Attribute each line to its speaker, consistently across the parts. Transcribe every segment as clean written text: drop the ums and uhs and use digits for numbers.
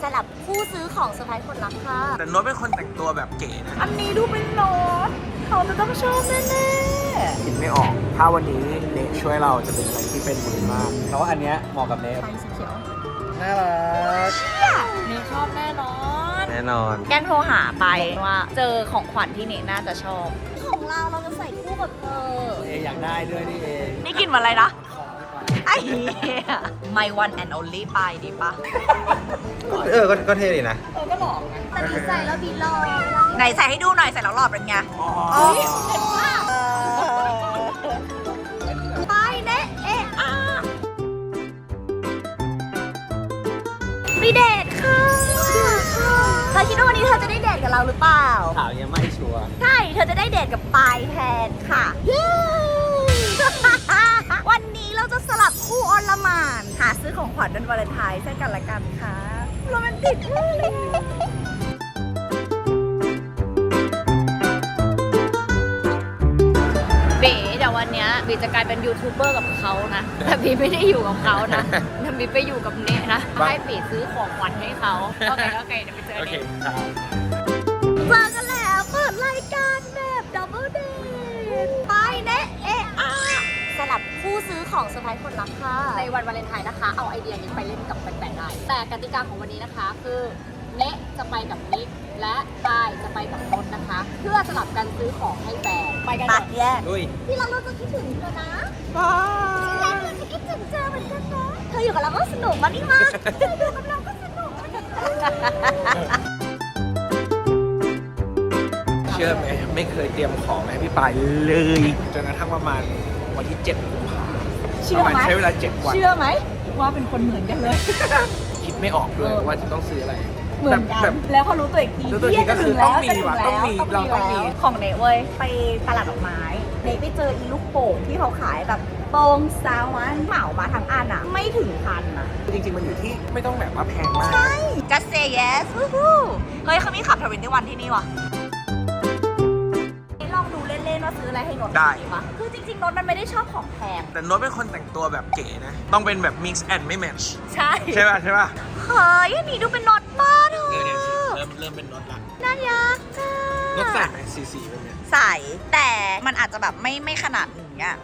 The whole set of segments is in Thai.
Speaker 1: สลับคู่ซื้อของเซอร์ไพรส์คนรักค่ะ
Speaker 2: แต่โน้ตเป็นคนแต่งตัวแบบเก๋นะ
Speaker 1: อันนี้ดูเป็นโน้ตเขาจะต้องชอบแน่
Speaker 3: คิดไม่ออก ถ้าวันนี้เนช่วยเราจะเป็นอะไรที่เป็นบุญมากเพราะว่าอันเนี้ยเหมาะกับเน
Speaker 1: ๆไฟสีเขียว
Speaker 3: น่ารัก
Speaker 1: เนชอบแน่นอน
Speaker 3: แน่นอน
Speaker 1: แกนโทรหาไปว่าเจอของขวัญที่เนน่าจะชอบ ของเราจะใส่คู่กับเธอ
Speaker 3: เออยากได้ด้วยนี่เอง
Speaker 1: นี่กินเหมือนอะไรนะไอ้เหี้ย My one and only ไปดีปะ
Speaker 3: ก็เท่ดีนะ
Speaker 1: ก็บอกแต่ดีใส่แล้วบีลอยไหนใส่ให้ดูหน่อยใส่แล้วหลอดเป็นไงเห็นปะไปเนะเอะอะมีเดทค่ะเธอคิดว่าวันนี้เธอจะได้เดทกับเราหรือเปล่า
Speaker 3: ข่าวยังไม่ชัวร์
Speaker 1: ใช่ เธอจะได้เดทกับปายแทนค่ะ วันนี้เราจะสลับคู่อลหม่านหาซื้อของขวัญวันวาเลนไทน์ให้กันละกันค่ะโรแมนติกมากเลยบีเดี๋ยววันนี้บีจะกลายเป็นยูทูบเบอร์กับเขานะ แต่บีไม่ได้อยู่กับเขานะแต่บีไปอยู่กับเนะนะ ให้บีซื้อของขวัญให้เขาโอเคเดี๋ยวไปเจอ
Speaker 3: โอเค
Speaker 1: เนะ
Speaker 3: ครับ
Speaker 1: เจอกันแล้วเปิดรายการแบบดับเบิลเดทไปเนะเอะอะสลับคู่ซื้อของเซอร์ไพรส์คนรักค่ะในวันวาเลนไทน์นะคะ เอาไอเดียนี้ไปเล่นกับแฟนๆได้แต่กติกาของวันนี้นะคะคือเนะจะไปกับนิกและปายจะไปกับนนท์นะคะ เพื่อสลับกันซื้อของให้แฟนไปกันแยก
Speaker 3: ดุย
Speaker 1: ที่เราจะคิดถึงเธอนะที่เราจะคิดถึงเธอเหมือนกันนะเธออยู่กับเราก็สนุกมานี่มาเธออยู่กับเราก็สนุกมานี่มา
Speaker 3: เชื่อไหมไม่เคยเตรียมของให้พี่ปายเลยจนกระทั่งประมาณวันที่7 กุมภาพันธ์
Speaker 1: เชื่อไหม
Speaker 3: ใช้เวลา7 วัน
Speaker 1: เชื่อไหมว่าเป็นคนเหมือนกันเลย
Speaker 3: คิดไม่ออกด้วยว่าจะต้องซื้ออะไร
Speaker 1: เหมือนกัน
Speaker 3: แบบ
Speaker 1: แล้วพอรู้ตัวอีกที
Speaker 3: รู้ตัวอีกทีก็คือต้องมีว่ะต้องมีเราต้องมี
Speaker 1: ของเนเว้ยไปตลาดดอกไม้เนไปเจออีลูกโป่งที่เขาขายแบบโป่งซาวันเหมามาทั้งอันอ่ะไม่ถึงพันอ่ะ
Speaker 3: จริงๆ มันอยู่ที่ไม่ต้องแบบว่าแพงมาก
Speaker 1: just say yes เฮ้ยเขามีขับ21ที่นี่ว่ะลองดูเล่นๆว่าซื้ออะไรให้นนท์
Speaker 2: ได้
Speaker 1: ปะคือจริงๆนนท์มันไม่ได้ชอบของแพง
Speaker 2: แต่โน้ตเป็นคนแต่งตัวแบบเก๋นะ ต้องเป็นแบบ mix and ไม่ match
Speaker 1: ใช่
Speaker 2: ใช่ป่ะใช่ป่ะ
Speaker 1: เฮ้ยอันนี้ดูเป็นน็อตบ้าเธอ
Speaker 2: เนี่ยเริ่มเป็นโน้ตละ
Speaker 1: น่ารักจ้า
Speaker 2: โน้ตใส่ไหมสีเป็นไง
Speaker 1: ใส่แต่มันอาจจะแบบไม่ขนาดนี้อ่ะ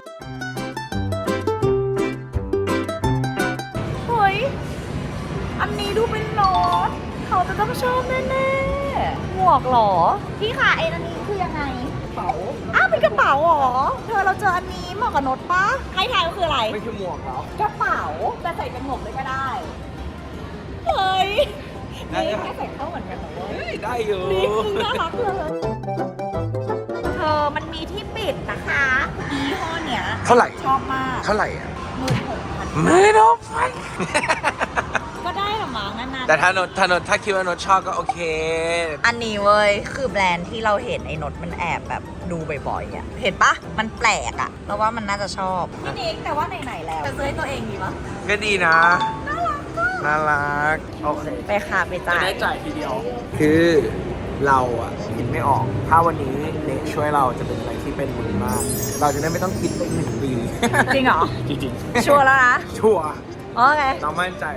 Speaker 1: เฮ้ยอันนี้ดูเป็นโน้ตเขาจะต้องชอบแน่ๆหมวกเหรอพี่ค่ะไอ้อันนี้คือยังไงกระเป๋าอ้าวเป็นกระเป๋าเหรอเธอเราเจออันนี้เหมาะกับโน้ตปะให้ทายว่าคืออะไร
Speaker 3: ไม่ใช่หมวกเหรอ
Speaker 1: กระเป๋าแต่ใส่เป็นหมวกเลยก็ได้เฮ้ยนี่แค่ใส่เข้าเหมือนกันเหรอเว้ย
Speaker 3: เฮ้ยได้อยู่
Speaker 1: นี่คือน่ารักเลยเธอมันมีที่ปิดนะคะยี่ห้อเนี้ย
Speaker 2: เท่าไหร่
Speaker 1: ชอบมาก
Speaker 2: เท่าไหร่อ่ะ
Speaker 1: 16,000
Speaker 2: ไม่ต้องฟัน
Speaker 1: ก็ได้หรอมั้งนานๆ
Speaker 2: แต่ถ้าคิดว่าโน้ตชอบก็โอเค
Speaker 1: อันนี้เว้ยคือแบรนด์ที่เราเห็นไอ้นดมันแอบแบบดูบ่อยๆอ่ะเห็นปะมันแปลกอ่ะเพราะว่ามันน่าจะชอบพี่นิกแต่ว่าไหนๆแล้วจะซื้อให้ตัวเองดีปะ
Speaker 2: ก็ดีนะ น่ารัก โอเค
Speaker 1: ไปค่ะไปจ่า
Speaker 3: จะ
Speaker 1: ย
Speaker 3: ได้จ่ายทีเดียว คือเราอะคิดไม่ออก ถ้าวันนี้เนช่วยเราจะเป็นอะไรที่เป็นบุญมาก เราจะได้ไม่ต้องคิดไปอีก1 ปี
Speaker 1: จริงเหรอ
Speaker 3: จริง
Speaker 1: ชัวร์แล้วนะ
Speaker 3: ๆ ชัวร์
Speaker 1: โอเค
Speaker 3: เรามั่นใจ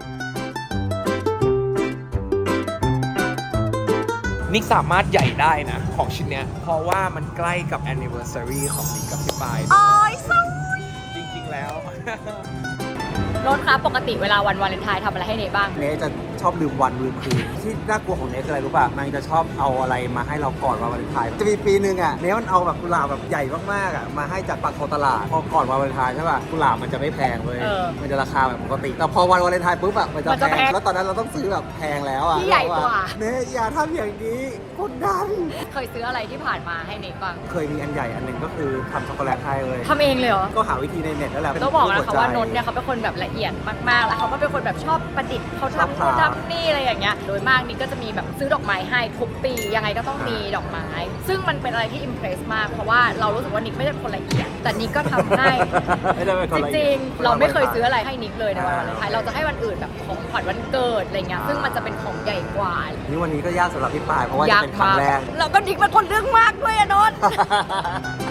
Speaker 3: นิกสามารถใหญ่ได้นะ ของชิ้นเนี้ย เพราะว่ามันใกล้กับ anniversary ของนิกกับพี่ปาย
Speaker 1: โอ้ยสวย
Speaker 3: จริงๆแล้ว
Speaker 4: รถคะปกติเวลาวันวาเลนไทน์ทำอะไรให้เนบ้าง
Speaker 3: เนจะชอบลืมวันลืมคืนที่น่ากลัวของเนคืออะไรรู้ป่ะมันจะชอบเอาอะไรมาให้เราก่อนวันวาเลนไทน์จะมีปีนึงอ่ะเนมันเอาแบบกุหลาบแบบใหญ่มากๆอ่ะมาให้จากปากคลองตลาดพอก่อนวันวาเลนไทน์ใช่ป่ะกุหลาบมันจะไม่แพงเลย
Speaker 4: เออ
Speaker 3: มันจะราคาแบบปกติแต่พอวันวาเลนไทน์ปุ๊บอ่ะมันจะ
Speaker 4: มันจะ
Speaker 3: แพ
Speaker 4: แพ
Speaker 3: ง
Speaker 4: ง
Speaker 3: แล้วตอนนั้นเราต้องซื้อแบบแพงแล้วอ่ะ
Speaker 4: ที่ใหญ่กว่า
Speaker 3: เนอย่าทำอย่างนี้กดดัน
Speaker 4: เคยซื้ออะไรที่ผ่านมาให้เนบ้าง
Speaker 3: เคยมีอันใหญ่อันหนึงก็คือทำช็อกโกแลตให้เลย
Speaker 4: ทำเองเลยเหรอ
Speaker 3: ก็หาวิธีในเน็ตแล้วแหละ
Speaker 4: ต้องบอกนะคะว่า
Speaker 3: หัใจ
Speaker 4: นนท์เนี่ยเขาเป็นคนแบบละเอียดมากๆ แล้วเขาก็เป็นคนแบบชอบประดิษฐ์เขา
Speaker 3: ชอบ
Speaker 4: ทำนู่น
Speaker 3: ทำ
Speaker 4: ทำนี่อะไรอย่างเงี้ย โดยมากนี่ก็จะมีแบบซื้อดอกไม้ให้ทุกปียังไงก็ต้องมีดอกไม้ ซึ่งมันเป็นอะไรที่อิมเพรสมากเพราะว่าเรารู้สึกว่านิกไม่ใช่คนละเอียด แต่นิกก็ทำให้
Speaker 3: ไม่ได้เป็นคน
Speaker 4: จ
Speaker 3: ละเอี
Speaker 4: ริ
Speaker 3: ย
Speaker 4: ง
Speaker 3: ด
Speaker 4: ๆ เราไม่เคยซื้ออะไรให้นิกเลยในวันวาเลนไทน์
Speaker 3: อ่า
Speaker 4: เราจะให้วันอื่นแบบของขวัญวันเกิดอะไรเงี้ย ซึ่งมันจะเป็นของใหญ่กว่า
Speaker 3: นี่วันนี้ก็ยากสำหรับพี่ปายเพราะว่าจะเป็นครั้งแรก
Speaker 4: แล้วก็นิกเป็นคนเรื่องมากด้วยอะนนท์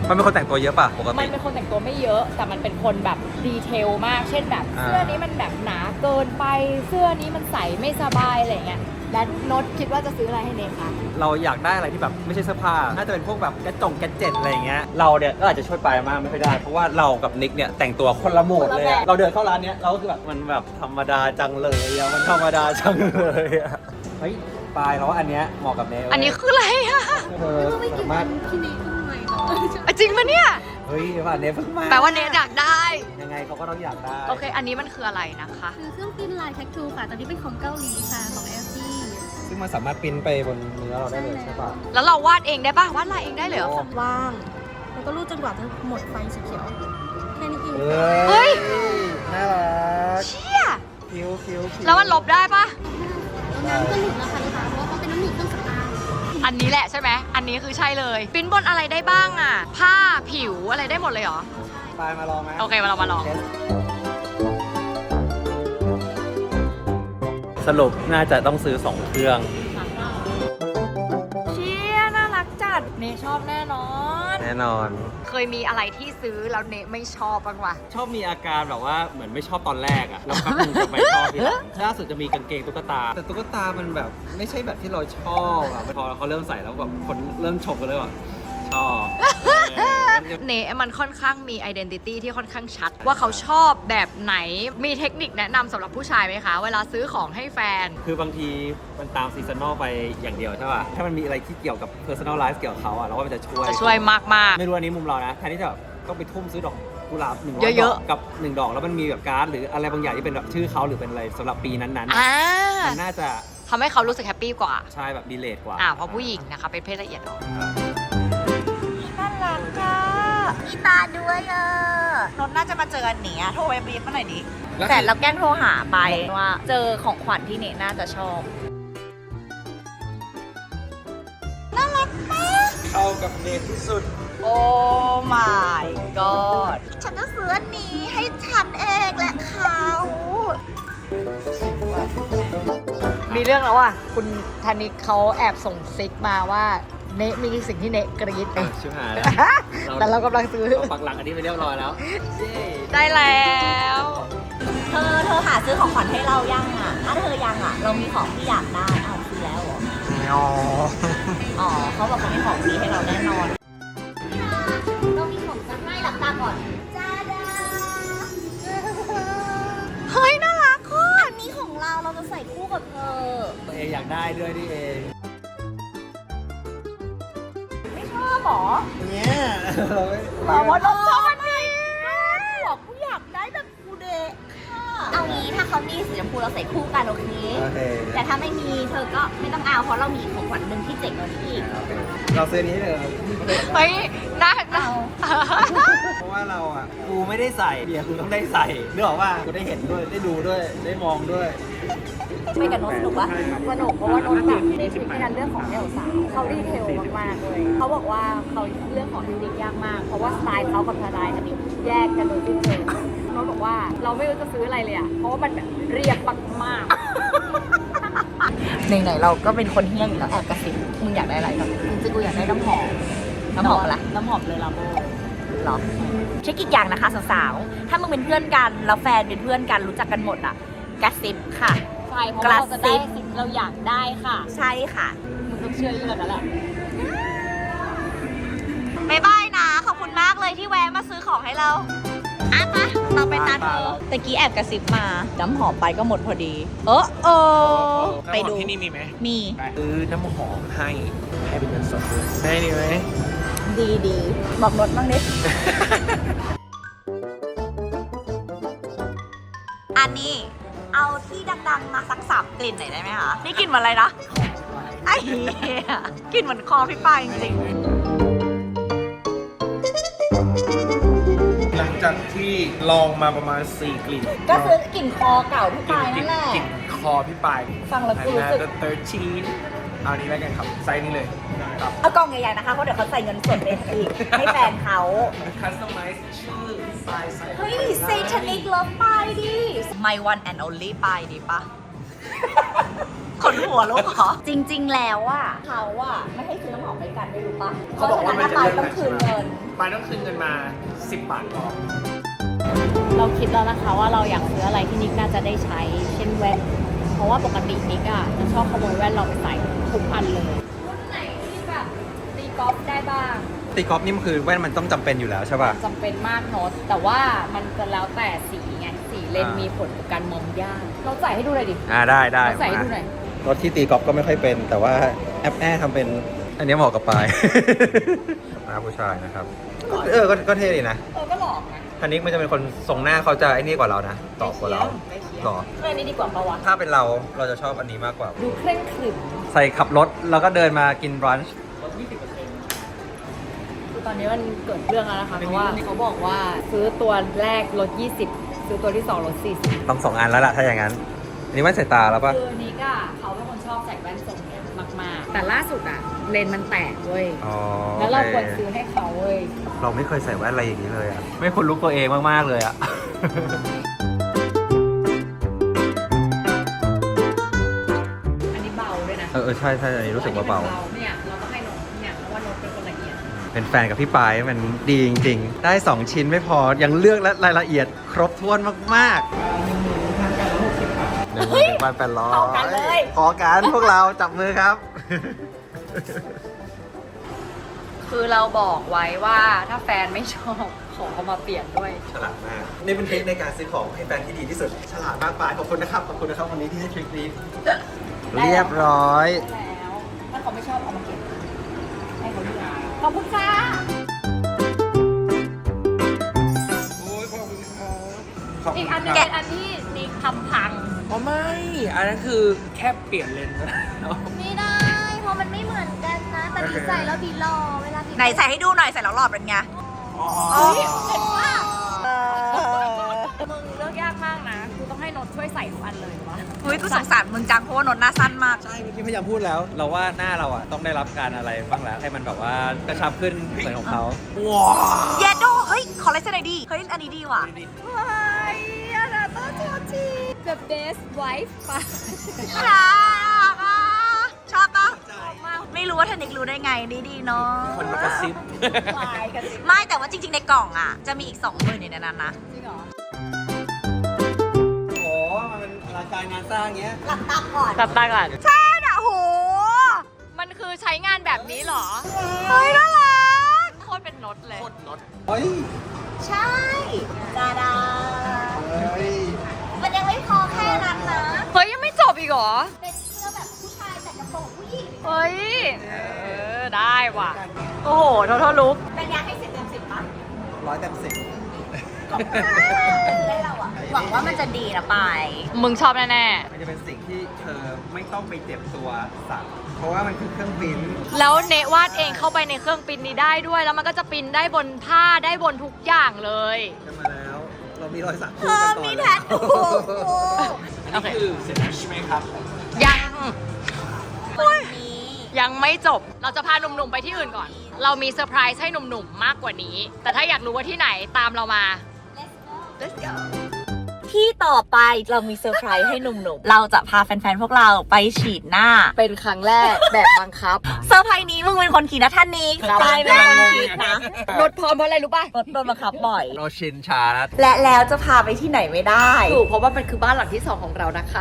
Speaker 2: มันเป็นคนแต่งตัวเยอะป่ะปก
Speaker 4: มั
Speaker 2: ติ
Speaker 4: นเป็นคนแต่งตัวไม่เยอะ แต่มันเป็นคนแบบดีเทลมาก เช่นแบบ
Speaker 2: อ่า
Speaker 4: เสื้อนี้มันแบบหนาเกินไป เสื้อนี้มันใส่ไม่สบายอะไรอย่างเงี้ย และนดคิดว่าจะซื้ออะไรให้เนคะ
Speaker 3: เราอยากได้อะไรที่แบบไม่ใช่เสื้อผ้า น่าจะเป็นพวกแบบแกระเจ็ตอะไรอย่างเงี้ย เราเนี่ยก็อาจจะช่วยไปมากไม่ค่อยได้ เพราะว่าเรากับนิกเนี่ยแต่งตัวคนละโหมดเลยอะเราเดินเข้าร้านเนี้ยเราก็คือแบบมันแบบธรรมดาจังเลยอะมันธรรมดาจังเลยอะเฮ้ยปายเราว่าอันเนี้ยเหมาะกับเนย
Speaker 4: อันนี้คืออะไรอะ
Speaker 3: สามารถ
Speaker 1: พี่เนททำไมเนาะ
Speaker 4: จริงปะเนี่ย
Speaker 3: เฮ้ยว่าเนยเพิ่งมา
Speaker 4: แปลว่าเนทอยากได้
Speaker 3: ยังไงเขาก็ต้องอยากได้
Speaker 4: โอเค อันนี้มันคืออะไรนะคะ
Speaker 1: คือเครื่องปิ้นลายแท็กทูค่ะตอนนี้เป็นของเกาหลีค่ะของ LG
Speaker 3: ซึ่งมันสามารถปริ้นไปบนเนื้อเราได้เลยใช่ปะ
Speaker 4: แล้วเราวาดเองได้ปะวาดลายเองได้เลยเหรอ
Speaker 1: ว่าง แล้วก็รูดจนกว่าจะหมดไฟสีเขียว แค่นี้เอง
Speaker 4: เฮ้ย
Speaker 3: น่ารัก
Speaker 4: เชี่ย
Speaker 3: คิ้ว
Speaker 4: แล้วมันลบได้ปะ
Speaker 1: น้ำก็หลุดแล้วค่ะลูกค้าเพราะว่าเขาเป็นน้ำหนีบเครื่องสำอาง
Speaker 4: อันนี้แหละใช่ไหม อันนี้คือใช่เลยปริ้นบนอะไรได้บ้างอะผ้าผิวอะไรได้หมดเลยเหรอ
Speaker 3: ปายมาลองไหม
Speaker 4: โอเคเรามาลอง
Speaker 3: สรุปน่าจะต้องซื้อ 2 เครื่อง
Speaker 4: เชี่ยน่ารักจัด เนชอบแน่นอน
Speaker 2: แน่นอน
Speaker 4: เคยมีอะไรที่ซื้อแล้วเนไม่ชอบบ้างวะ
Speaker 3: ชอบมีอาการแบบว่าเหมือนไม่ชอบตอนแรกอะแล้วก็มึงจะไปชอบทีหลังล่าสุดจะมีกางเกงตุ๊กตา แต่ตุ๊กตามันแบบไม่ใช่แบบที่เราชอบอะพอเขาเริ่มใส่แล้วแบบคนเริ่มชมกันเลยว่าชอบ
Speaker 4: เนมันค่อนข้างมี identity ที่ค่อนข้างชัด ว่าเขาชอบแบบไหน มีเทคนิคแนะนำสำหรับผู้ชายไหมคะ เวลาซื้อของให้แฟน
Speaker 3: คือบางทีมันตามซีซันนอลไปอย่างเดียวใช่ป่ะ ถ้ามันมีอะไรที่เกี่ยวกับ personal life เกี่ยวกับเขาอะเราว่ามันจะช่วย
Speaker 4: จะช่วยมาก
Speaker 3: ไม่รู้อันนี้มุมเรานะแทนที่จะแบบต้องไปทุ่มซื้อดอกกุหลาบ100
Speaker 4: เย
Speaker 3: ด
Speaker 4: อะ
Speaker 3: อก
Speaker 4: ๆ
Speaker 3: กับ1ดอกแล้วมันมีแบบการ์ดหรืออะไรบางอย่างที่เป็นแบบชื่อเขาหรือเป็นอะไรสำหรับปีนั้น
Speaker 4: ๆ อ่า
Speaker 3: ๆมันน่าจะ
Speaker 4: ทำให้เขารู้สึกแฮปปี้กว่า
Speaker 3: ใช่แบบดีเลทกว่า
Speaker 4: เพราะผู้หญิงนะคะเป็นเพศละเอียดอ่อน
Speaker 1: น่ารักจ้ามีตาด้วยนนท์น่าจะมาเจออันนี้โทรไปบีบมาหน่อยดิแต่เราแกล้งโทรหาไปว่าเจอของขวัญที่เนน่าจะชอบ
Speaker 3: เข้ากับเนทที่สุด
Speaker 1: โอ้ my god ฉันจะซื้ออันนี้ให้ฉันเองและเขา
Speaker 4: มีเรื่องแล้วอ่ะ คุณธนิกเขาแอบส่งซิกมาว่าเนมีสิ่งที่เนกรี๊ด
Speaker 3: ชิบหายแล้ว
Speaker 4: แต่เรากำลังซื้อ
Speaker 3: เราปักหลังอันนี้ไปเรียบร้อยแล้วเย้
Speaker 4: ได้แล้ว
Speaker 1: เธอหาซื้อของขวัญให้เรายังอ่ะ ถ้าเธอยังอ่ะ เรามีของที่อยากได้เอาซื้อแล้วเหรอ อ๋อเขาบอกเขามีของดีให้เราแน่นอน เรามีของจะให้หลับตาก่อนจ้าดา
Speaker 4: เฮ้ย น่ารักโคตร
Speaker 1: อันนี้ของเราเราจะใส่คู่กับเธอ
Speaker 3: ตัวเองอยากได้ด้วยนี่เอง
Speaker 1: ไม่ชอบหรอ
Speaker 3: เนี่ยเราไม่
Speaker 1: บอกว่าเราชอบอันนี้บอกกูอยากได้แบบกูเดะค่ะเอางี้ถ้าเขามีสีชมพูเราใส่คู่กันโอเค
Speaker 3: โอเค
Speaker 1: แต่ถ้าไม่มีเธอก็ไม่ต้องเอาเพราะเรามีอีกของขวัญหนึ่งที่เจ๋งกว่านี้อีก
Speaker 3: เราซื้อนี้เลย
Speaker 4: เฮ้ย น่า
Speaker 1: เอา
Speaker 3: เพราะว่าเราอ่ะกูไม่ได้ใส่เดี๋ยวกูต้องได้ใส่นึกออกว่ากูได้เห็นด้วยได้ดูด้วยได้มองด้วย
Speaker 1: ไปกับโน้ตสนุกปะสนุกเพราะว่าโน้ตแบบในทริปที่นั้นเรื่องของเอลสาวเขาดีเทลมากๆเลยเขาบอกว่าเขาเรื่องของดิเด็กยากมาก เพราะว่าสไตล์เขากับสไตล์อันนี้แยกกันโดยสิ้นเชิงโน้ตบอกว่าเราไม่รู้จะซื้ออะไรเลยอ่ะเพราะว่ามันแบบเรียบมากๆไหนๆเราก็เป็นคนเฮี้ยงอยู่แล้วแอบกระซิบมึงอยากได้อะไรครับจริงๆกูอยากได้น้ำหอมอะไรน้ำหอมเลยลาโบหรอเช็คอีกอย่างนะคะสาวๆถ้ามึงเป็นเพื่อนกันแล้วแฟนเป็นเพื่อนกันรู้จักกันหมดอ่ะกระซิบค่ะ
Speaker 4: ใช่เพราะว่าเราจะได้สิ่งเราอยากได้ค่ะ
Speaker 1: ใช่ค่ะ
Speaker 4: มึงต้องเชื่อเรื่องนั้นแหละ
Speaker 1: บ๊ายบายนะ ขอบคุณมากเลยที่แวะมาซื้อของให้เราอ่ะปะเราไปตามเธอตะกี้แอบกระซิบมาน้ำหอมไปก็หมดพอดี ไปดู
Speaker 2: ที่นี่มีไหม
Speaker 1: มี
Speaker 2: ซื้อน้ำหอมให้เป็นเงินสดด้วยได้ดีไหม
Speaker 1: ดีบอกรถบ้างดิ อันนี้เอาที่ดังๆมาสัก3กลิ่นหน่อยได้ไหมคะ นี่กลิ่นเหมือนอะไรนะ ไอ้เหี้ยกลิ่นเหมือนคอพี่ปายจริง
Speaker 2: หลังจากที่ลองมาประมาณ4กลิ่น
Speaker 1: ๆก็ซื้อกลิ่นคอเก่าพี่ปายนั่นแหละ
Speaker 2: กลิ่นคอพี่ปาย
Speaker 1: ฟังแล้วกูรู้สึก
Speaker 2: 13เอานี้แล้วกันครับไซส์นี้เลยครับ
Speaker 1: เอากล่องใหญ่ๆนะคะ เพราะเดี๋ยวเขาใส่เงินสดเป็นอีก ให้แฟนเขา
Speaker 2: คัสตอมไมซ์ชื่อปายไซส์
Speaker 1: เฮ้ยเซทานิกเลิฟปายดิ My one and only ปายดีปะ ขนหัวหัวลูกเหรอ จริง ๆ แล้วอ่ะเขาอ่ะไม่ให้ซื้อน้ำหอมด้วยกันไม่รู้ปะเพราะฉะนั้นปายต้องคืนเงิน
Speaker 2: ปายต้องคืนเงินมา 10 บาทก่อน
Speaker 4: เราคิดแล้วนะคะว่าเราอยากซื้ออะไรที่นิกน่าจะได้ใช้เช่นแว่นเพราะว่าปกตินิกอะจะชอบขโมยแว่นเราไปใส่ทุกอันเลยรุ่นไหนที่แบบตีกอล์ฟได้บ้าง
Speaker 3: ตีกอล์ฟนี่มันคือแว่นมันต้องจำเป็นอยู่แล้วใช่ป่ะ
Speaker 4: จำเป็นมากโน้ตแต่ว่ามันจะแล้วแต่สีไงสีเลน
Speaker 3: อ่ามี
Speaker 4: มีผลกับการมองยากเราใส่ให้ดูเลยดิ
Speaker 3: ได้
Speaker 4: เราใส่ให้ดูหน่อย
Speaker 3: รถที่ตีกอล์ฟก็ไม่ค่อยเป็น แต่ว่าแอปแอร์ทำเป็น อันนี้เหมาะกับปาย หน้าผู้ชายนะครับ ก็เท่ดีนะ
Speaker 4: ก็หลอกนะ
Speaker 3: คันนี้มันจะเป็นคนทรงหน้าเขาจะไอ้นี่กว่าเรานะต่อกว่าเรา
Speaker 4: ใกล้เคียง
Speaker 3: หรอ
Speaker 4: เอออันนี้ดีกว่าปะวะ
Speaker 3: ถ้าเป็นเราจะชอบอันนี้มากกว่า
Speaker 4: ดูเคร่งขรึม
Speaker 3: ใส่ขับรถแล้วก็เดินมากินบรันช์
Speaker 4: คือตอนนี้มันเกิดเรื่องแล้วนะคะเพราะว่าเขาบอกว่าซื้อตัวแรกลด 20 ซื้อตัวที่ 2 ลด 40
Speaker 3: ต้อง2 อันแล้วล่ะถ้าอย่างนั้น อันนี้แว่นสายตาแล้วป่ะ
Speaker 4: คือนิกอะเขาเป็นคนชอบใส่แว่นทรงเนี้ยมากๆ แต่ล่าสุดอะเลนส์มันแตกเว้ย
Speaker 3: อ๋อ
Speaker 4: แล้วเรา
Speaker 3: โอ
Speaker 4: ควร
Speaker 3: เค
Speaker 4: ซื้อให้เขาเว้ย
Speaker 3: เราไม่เคยใส่แว่นอะไรอย่างนี้เลยอ่ะ ไม่ควรลุกตัวเองมากๆเลยอ่ะ
Speaker 4: อันนี้เบาด้วยนะ
Speaker 3: ใช่อันนี้รู้สึกว่าเบา
Speaker 4: เนี่ยเราต้องให้นกเนี่ยเพราะว่านกเป็นคนละเอียด
Speaker 3: เป็นแฟนกับพี่ปายมันดีจริงๆ ได้ 2 ชิ้นไม่พอ ยังเลือกและรายละเอียดครบถ้วนมากๆ1,800
Speaker 4: เท่ากันเลย
Speaker 3: ขอการพวกเราจับมือครับ
Speaker 4: คือเราบอกไว้ว่าถ้าแฟนไม่ชอบขอเขามาเปลี่ยนด้วย
Speaker 3: ฉลาดมาก นี่เป็นเทคในการซื้อของให้แฟนที่ดีที่สุด ฉลาดมากปายขอบคุณนะครับ วันนี้ที่ให้ทริคนี้ เรียบร้อย
Speaker 4: แล้วถ้าเขาไม่ชอบเอามาเก็บให้เขาเลือกขอบคุณค่ะ อีกอันหนึงเป็นอันที่นิกทำพัง
Speaker 2: อ๋อไม่ อันนั้นคือแค่เปลี่ยนเลนส์นะ
Speaker 1: ไม่ได้ เพราะมันไม่เหมือนกันนะ แต่บีใส่แล้วบีหล่อเวลาบีไหนใส่ให้ดูหน่อย ใส่แล้วหล่อเป็นไง
Speaker 4: เฮ้ยเห็นปะมึงเลือกยากมากนะกูต้องให้นดช่วยใส่ทุกอันเลยวะ
Speaker 1: เฮ้ยกูสงสารมึงจังเพราะว่านนท์หน้าสั้นมาก
Speaker 3: ใช่เมื่อกี้พยายามพูดแล้ว เราว่าหน้าเราอ่ะต้องได้รับการอะไรบ้างแล้ว ให้มันแบบว่ากระชับขึ้นเหมือนของเขา
Speaker 1: เยดโดเฮ้ย ขอไลฟ์เซ็นหน่อยดิ เฮ้ย อันนี้ดีว่ะเฮ้ยอันนั้นตัวจริง
Speaker 4: The best wife ปะ
Speaker 1: รักอ่ะชอบปะไม่รู้ว่าเทนิกรู้ได้ไงดีเนาะ
Speaker 2: คนมากระซิบ
Speaker 4: วายกันสิ
Speaker 1: ไม่แต่ว่าจริง ๆ ในกล่องอ่ะ จะมีอีก 20,000อยู่ในนั้นนะ
Speaker 4: จริงเหรอ
Speaker 3: โอ้มันเป็นรายการงานสร้างเงี้ย
Speaker 1: หลับตาก่อน
Speaker 4: ตัดตาก่อน
Speaker 1: ใช่อ่ะโห
Speaker 4: มันคือใช้งานแบบนี้เหรอ
Speaker 1: เฮ้ยน่ารัก
Speaker 4: โคตรเป็นนดเลย
Speaker 3: เฮ้ย
Speaker 1: ใช่ดาดา
Speaker 3: เฮ้ย
Speaker 1: มันยังไม่พอแค่นั้นนะ
Speaker 4: เฮ้ยยังไม่จบอีกเหรอ
Speaker 1: เป็นเสื้อแบบผู้ชายแต่กระโปรงผู้หญิง
Speaker 4: เฮ้ย ได้ว่ะ โอ้โหทอลุก
Speaker 1: เป็นยาให้10 เต็ม 10 ป่ะ
Speaker 3: 100 เต็ม 10
Speaker 1: ได้เราอ่ะ หวังว่ามันจะดีนะไป
Speaker 4: มึงชอบแน่
Speaker 3: มันจะเป็นสิ่งที่เธอไม่ต้องไปเจ็บตัวสักเพราะว่ามันคือเครื่องบิน
Speaker 4: ๆ แล้วเนวาดเองเข้าไปในเครื่องปินนี้ได้ด้วย แล้วมันก็จะปินได้บนผ้าได้บนทุกอย่างเลย
Speaker 3: จะมาแล้ว เรามีรอยสัก
Speaker 1: เธ
Speaker 3: คู่
Speaker 1: อ
Speaker 3: กันก่อน
Speaker 1: มี
Speaker 3: เล
Speaker 1: แท
Speaker 3: ย
Speaker 1: ททู
Speaker 4: โอเค
Speaker 2: คือเสร็จแล้วใช่ไหมครับ
Speaker 4: ยัง
Speaker 1: วันนี้
Speaker 4: ยังไม่จบ เราจะพาหนุ่มๆไปที่อื่นก่อน เรามีเซอร์ไพรส์ให้หนุ่มๆมากกว่านี้ แต่ถ้าอยากรู้ว่าที่ไหนตามเรามา
Speaker 1: Let's go ที่ต่อไปเรามีเซอร์ไพรส์ให้หนุ่มๆ เราจะพาแฟนๆ พวกเราไปฉีดหน้า
Speaker 4: เป็นครั้งแรกแบบบังคับ
Speaker 1: เซอร์ไพรส์นี้มึงเป็นคนขี่นะท่านนี้
Speaker 4: ครับ
Speaker 1: ไปเป็นคนขี่นะ
Speaker 4: รถพร้อมเพราะอะไรรู้ป่ะ
Speaker 1: รถโดนบังคับบ่อย
Speaker 3: เราชินชาแล้ว
Speaker 1: และแล้วจะพาไปที่ไหนไม่ได้
Speaker 4: ถูกเพราะว่ามันคือบ้านหลังที่ 2 ของเรานะคะ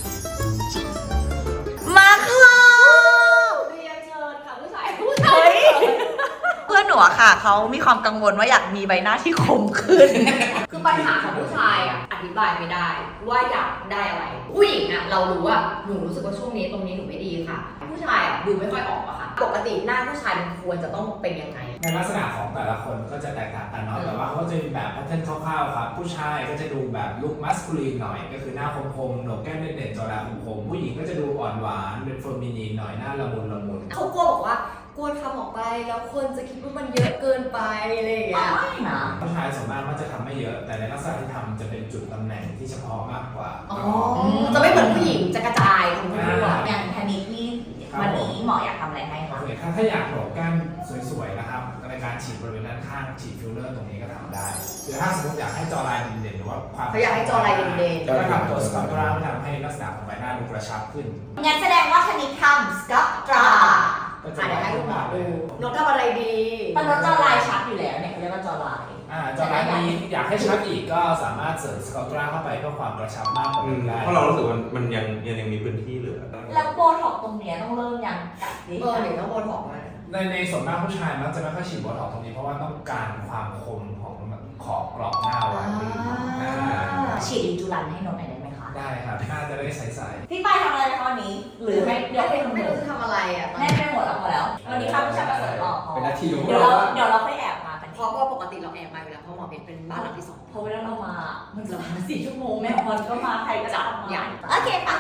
Speaker 1: มาค่ะ
Speaker 4: เรียนเชิญค่ะผู้ชาย
Speaker 1: เฮ้ย เพื่อนหนูอะค่ะ เขามีความกังวลว่าอยากมีใบหน้าที่คมขึ้น
Speaker 4: คือปัญหาของผู้ชายอ่ะอธิบายไม่ได้ว่าอยากได้อะไร ผู้หญิงอ่ะเรารู้ว่าหนูรู้สึกว่าช่วงนี้ตรงนี้หนูไม่ดีค่ะ ผู้ชายอ่ะดูไม่ค่อยออกอะค่ะ ปกติหน้าผู้ชายมันควรจะต้องเป็นยังไง
Speaker 5: ในลักษณะของแต่ละคนก็จะแตกต่างกันเนาะแต่ว่าเขาก็จะมีแบบแพทเทิร์นคร่าวๆครับผู้ชายก็จะดูแบบลุคมัสคูลีนหน่อย ก็คือหน้าคมๆโหนกแก้มเด่นๆจอดาคมๆผู้หญิงก็จะดูอ่อนหวานเป็นเฟอร์มินีนหน่อยหน้าละมุนละมุน
Speaker 4: เขากลัวบอกว่ากลัวทำออกไปแล้วคนจะคิดว่ามันเยอะเกินไปอะไรอย่างเงี้ย
Speaker 1: ไม่นะ
Speaker 5: ผู้ชายส่วนมากก็จะทำไม่เยอะ แต่ในลักษณะที่ทำจะเป็นจุดตำแหน่งที่เฉพาะมากกว่า
Speaker 4: อ๋อ จะไม่เหมือนผู้หญิงจะกระจายทั้งทั่ว
Speaker 1: อย่างแทนิกนี่วันนี้หมออยากทำอะไรให้
Speaker 5: โอ
Speaker 1: คะ
Speaker 5: เคถ้าอยากโหนกแก้มสวยๆนะครับในการฉีดบริเวณด้านข้างฉีดฟิลเลอร์ตรงนี้ก็ทำได้หรือถ้าสมมติอยากให้จอลายเด่นๆหรือว่าความ
Speaker 1: เขาอยากให้จอลายเด่น
Speaker 5: ก็ทำตัวสกอตตราเพื่อทำให้ลักษณะของใบหน้าดูกระชับขึ้น
Speaker 1: ๆงั้นแสดงว่าธนิกทำสกับตราเดี๋ยวให้คุณหมอดูนกทำอะไรดีมันนกจอลายชัดอยู่แล้วเนี่ยเขาเรียกว่าจอลาย
Speaker 5: จอลายนี้อยากให้ชัดอีกก็สามารถเสริมสกอตตราเข้าไปเพื่อความกระชับมากกว่านี้ได้
Speaker 2: เพราะเรารู้สึกว่ามันยังมีพื้นที่เหลือ
Speaker 1: แล้วโบท็อกตรงเนี้ยต้องเริ่มยังกัดดิเดี๋ยวต้องโบท็อกมา
Speaker 5: ในส่วนมากผู้ชายมักจะไม่ค่อยฉีดโบท็อกซ์ตรงนี้เพราะว่าต้องการความคมของขอบกรอบหน้าไว้
Speaker 1: ฉีดอินจูรันให้นกหน่อยได้ไหมคะ
Speaker 5: ได้ครับหน้าจะได้ใส
Speaker 1: พี่ป้ายทำอะไรในข้อนี้ หรือให้เดี๋ยวให้ไม่รู้จะทำอะไรอ่ะแน่นไปหมดแล้วพอแล้ว วันนี้ข้าพี่ชายมาเสริมหล่อพอ
Speaker 3: เป็นหน้าที่ของ
Speaker 1: เดี๋ยว
Speaker 3: เรา
Speaker 1: เราค่อยแอบมากันเพราะว่าปกติเราแอบมาอยู่แล้วเพราะหมอเพชรเป็นบ้านหลังที่2เพราะเวลาเรามามันจะมา4 ชั่วโมงแม่พรก็มาใครก็จัดใหญ่โอเคปะ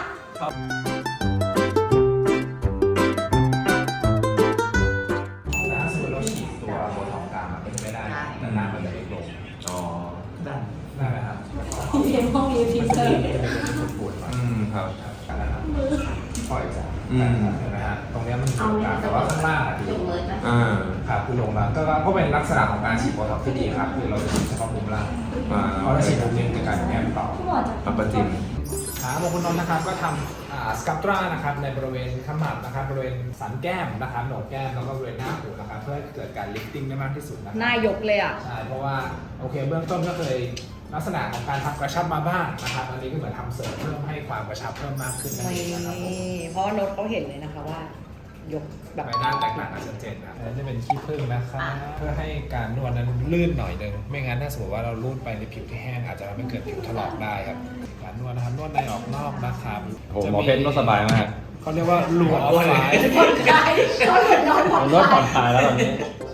Speaker 5: ๆถ้าสมมติเราฉีดตัวโบท็อกซ์กลางมันก็จะไม่ได้แต่หน้ามันจะเล็กลง
Speaker 2: อ๋อ
Speaker 5: ได้ไหมครับ
Speaker 4: เรียนห้องเรียนพิเศษ
Speaker 5: จะเป็นจุดปวดๆหน่อย
Speaker 2: ครับ
Speaker 5: กันนะครับปล่อยจ้ะ
Speaker 2: อืม
Speaker 5: เห็นไหมฮะตรงเนี้ยมันอยู่กลางแต่ว่าข้างล่างอ่ะดี ครับคือลงมาก็เป็นลักษณะของการฉีดโบท็อกซ์ที่ดีครับคือเราจะฉีดเฉพาะมุมล่างเพราะถ้าฉีดมุมนี้จะกลายเป็นแก้มต่อ
Speaker 2: อัปปะจิม
Speaker 5: ขาของคุณนนท์นะครับก็ทำสกับตรานะครับในบริเวณขมับนะครับบริเวณสันแก้มนะครับโหนกแก้มแล้วก็บริเวณหน้าหูนะครับเพื่อให้เกิดการลิฟติ้งได้มากที่สุดนะค
Speaker 4: ห
Speaker 5: รับ
Speaker 4: น้ายกเลยอ่ะ
Speaker 5: ใช่เพราะว่าโอเคเบื้องต้นก็เคยลักษณะของการทำกระชับมาบ้างนะครับอันนี้ก็เหมือนทำเสริมเพิ่มให้ความกระชับเพิ่มมากขึ้นนั่นเองนะครับผม
Speaker 4: เพราะว่าโน้ตเขาเห็นเลยนะคะว่ายกแบบ
Speaker 5: ใบหน้าแตกต่างกันชัดเจนนะอันนี้จะเป็นขี้ผึ้งนะครับเพื่อให้การนวดนั้นลื่นหน่อยนึงไม่งั้นถ้าสมมติว่าเราลูดไปในผิวที่แห้งอาจจะทำให้เกิดผิวถลอกได้ครับการนวดนะครับนวดในออกนอกนะครับ
Speaker 2: โหหมอเพชรนวดสบายมาก
Speaker 5: เขาเรียกว่าลูออฟไลน์
Speaker 1: ผ่อนคลายเขาเหมือนนอนผ่อน
Speaker 2: ผมนวดผ่อนคลายแล้วตอนนี้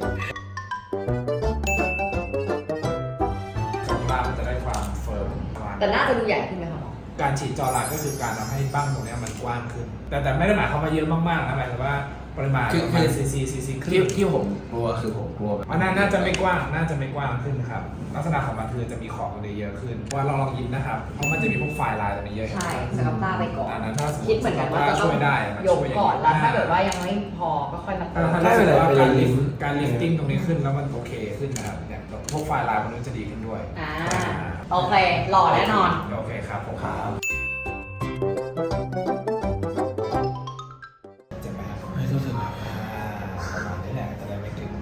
Speaker 5: ข้างล่างมันจะได้ความเฟิร์มประมาณ
Speaker 1: แต่น่าจะดูใหญ่ขึ้นไหมคะหมอ
Speaker 5: การฉีดจอหลักก็คือการทำให้บั้งตรงเนี้ยมันกว้างขึ้น แต่ไม่ได้หมายความว่าเยอะมากๆนะหมายถึงว่าปริมาณประมาณซีครึ่ง
Speaker 3: ที่ผมกลัวคือผมกลัวแบบ
Speaker 5: มันน่าจะไม่กว้างขึ้นครับลักษณะของมันคือจะมีขอบตรงนี้เยอะขึ้นว่าลองยิ้มนะครับเพราะมันจะมีพวกไฟลายตรงนี้เยอะ
Speaker 1: ใช่สกับตาไปก่อน
Speaker 5: อันนั้นถ้าสมม
Speaker 1: คิด
Speaker 5: ติ
Speaker 1: เหมือนกันว่าจะต้
Speaker 5: ช่
Speaker 1: อง
Speaker 5: วยได้มัน
Speaker 1: ยก
Speaker 5: ช่วย
Speaker 1: ก่อนแล้วถ้าเกิดว่ายังไม่พอก็ค่อยมาเติม
Speaker 5: ถ้าเกิดว่าการลิฟติ้งตรงนี้ขึ้นแล้วมันโอเคขึ้นนะครับเนี่ยพวกไฟลายมันจะดีขึ้นด้วย
Speaker 1: โอเคหล่อแน่นอน
Speaker 5: โอเคครับผมเจ็บไหมครับไม่รู้สึกประมาณนี้แหละจะได้ไม่ตึง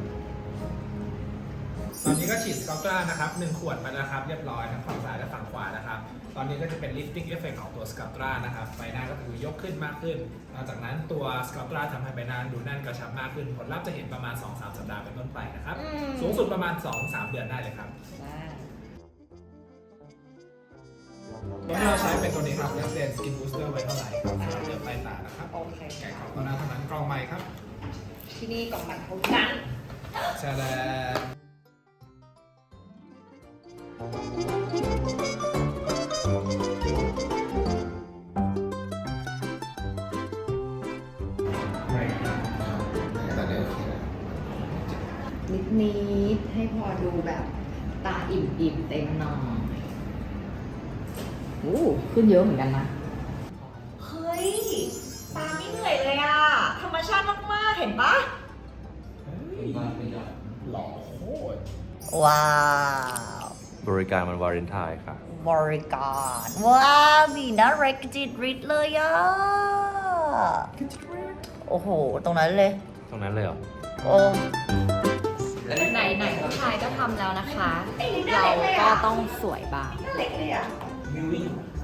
Speaker 5: ตอนนี้ก็ฉีดสกอตตรานะครับ1 ขวดมานะครับเรียบร้อยทั้งฝั่งซ้ายและฝั่งขวานะครับตอนนี้ก็จะเป็น lifting effect ของตัวสกอตตรานะครับใบหน้าก็คือยกขึ้นมากขึ้นหลังจากนั้นตัวสกอตตราทำให้ใบหน้าดูแน่นกระชับมากขึ้นผลลัพธ์จะเห็นประมาณ 2-3 สัปดาห์เป็นต้นไปนะครับสูงสุดประมาณ 2-3 เดือนได้เลยครับตัวที่เราใช้เป็นตัวนี้ครับ Resident Skin Booster ไว้เท่าไหร่ครับเลือกใต้ตานะครับ
Speaker 4: โอเค
Speaker 5: แกะกล่องตัวหน้าเท่านั้นกล่องใหม่ครับ
Speaker 4: ที่นี่กล่องใหม่เท่านั้น
Speaker 5: แชร์แล้ว
Speaker 4: นิดให้พอดูแบบตาอิ่มเต็มหน่อยโอ้ขึ้นเยอะเหมือนกันนะ
Speaker 1: เฮ้ยตาไม่เหนื่อยเลยอ่ะธรรมชาติมากๆเห็นปะ
Speaker 5: หล่อโคตร
Speaker 1: ว้าว
Speaker 2: บริการมันวาเลนไทน์ค่ะ
Speaker 1: บริการว้าวมีน่ารักจิตริดเลยอ่ะโอ้โหตรงนั้นเลย
Speaker 2: ตรงนั้นเลยเหรอ
Speaker 1: โอ้
Speaker 4: ไหนผู้ชายก็ทำแล้วนะคะ เราก็ต้องสวยบ้าง
Speaker 1: เล็กเลยอ่ะ
Speaker 5: มิววิ่ง